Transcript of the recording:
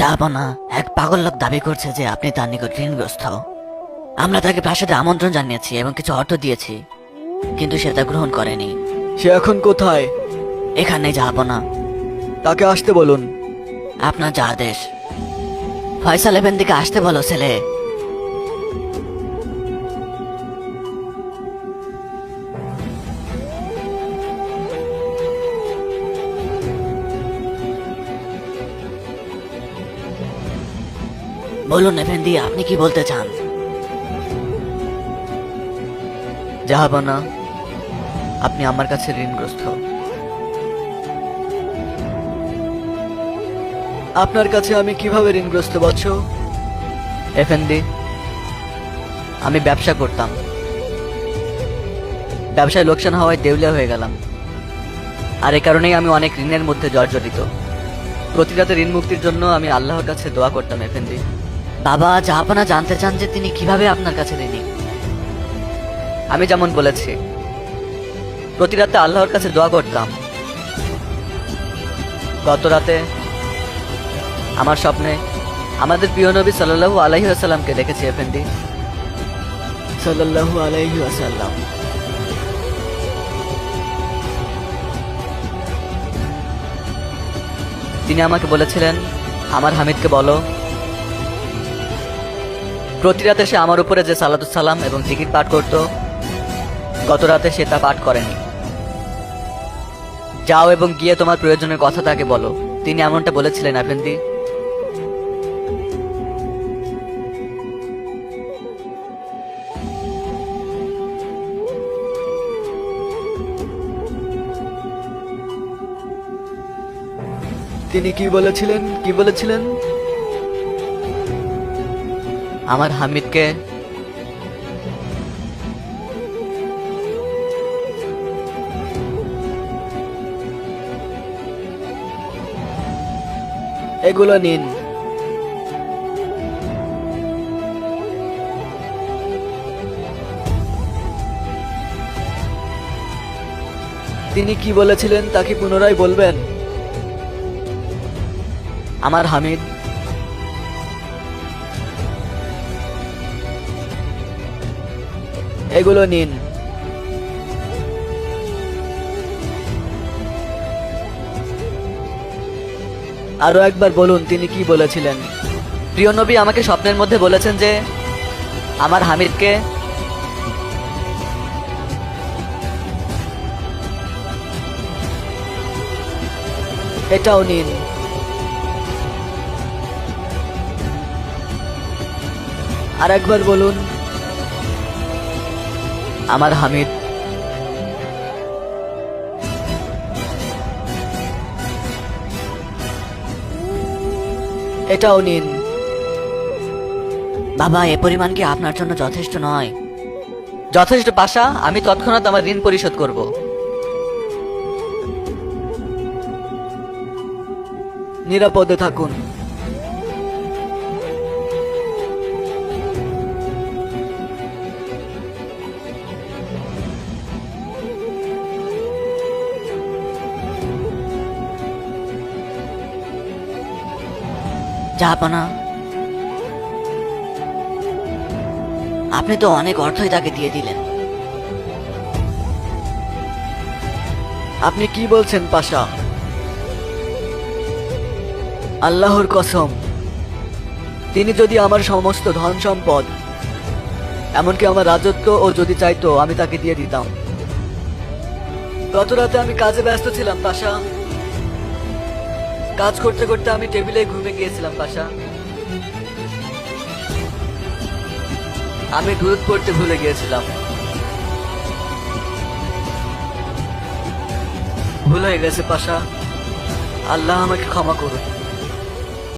জাহাপনা, এক পাগল লোক দাবি করছে যে আপনি তার নিকট ঋণগ্রস্ত। আমরা তাকে প্রাসাদে আমন্ত্রণ জানিয়েছি এবং কিছু অর্থ দিয়েছি, কিন্তু সে তা গ্রহণ করেনি। সে এখন কোথায়? এখানে জাহাপনা। তাকে আসতে বলুন। আপনার যা আদেশ। ফয়সাল এফেন্দিকে আসতে বলো ছেলে। বলুন এফেন্দি, আপনি কি বলতে চান? জাহাপনা, আপনি আমার কাছে ঋণগ্রস্ত। আপনার কাছে আমি কিভাবে ঋণগ্রস্ত বৎস? এফেন্দি, আমি ব্যবসা করতাম। ব্যবসায় লোকসান হওয়ায় দেউলিয়া হয়ে গেলাম, আর এ কারণেই আমি অনেক ঋণের মধ্যে জর্জরিত। প্রতি রাতে ঋণ মুক্তির জন্য আমি আল্লাহর কাছে দোয়া করতাম এফেন্দি। বাবা, জাহাপনা জানতে চান যে তিনি কিভাবে আপনার কাছে ঋণী। আমি যেমন বলেছি, প্রতি রাতে আল্লাহর কাছে দোয়া করতাম। গত রাতে আমার স্বপ্নে আমাদের প্রিয় নবী সাল্লাল্লাহু আলাইহি ওয়াসাল্লামকে দেখেছি এফেন্দি। সাল্লাল্লাহু আলাইহি ওয়াসাল্লাম। তিনি আমাকে বলেছিলেন, আমার হামিদকে বলো প্রতি রাতে সে আমার উপরে যে সালাতুস সালাম এবং জিকির পাঠ করত, গত রাতে সে তা পাঠ করেনি। যাও এবং গিয়ে তোমার প্রয়োজনের কথা তাকে বলো। তিনি এমনটা বলেছিলেন আফেন্দি। তিনি কি বলেছিলেন? কি বলেছিলেন? আমার হামিদকে এগুলো নিন। তিনি কি বলেছিলেন তা কি পুনরায় বলবেন? আমার হামিদ এগুলো নিন। আরো একবার বলুন তিনি কি বলেছিলেন। প্রিয় নবী আমাকে স্বপ্নের মধ্যে বলেছেন যে আমার হামিদকে এটাও নিন। আর একবার বলুন আমার হামিদ এটাও নিন। বাবা, এ পরিমাণ কি আপনার জন্য যথেষ্ট নয়? যথেষ্ট পাশা, আমি তৎক্ষণাৎ আমার ঋণ পরিশোধ করব। নিরাপদে থাকুন। জাহাপনা, আপনি তো অনেক অর্থই তাকে দিয়ে দিলেন। আপনি কি বলছেন পাশা? আল্লাহর কসম, তিনি যদি আমার সমস্ত ধন সম্পদ, এমনকি আমার রাজত্ব ও যদি চাইতো আমি তাকে দিয়ে দিতাম। গত রাতে আমি কাজে ব্যস্ত ছিলাম পাশা। কাজ করতে করতে আমি টেবিলে ঘুমে গিয়েছিলাম পাশা। আমি দুধ পড়তে ভুলে গিয়েছিলাম। ভুল হয়ে গেছে পাশা। আল্লাহ আমাকে ক্ষমা করুন।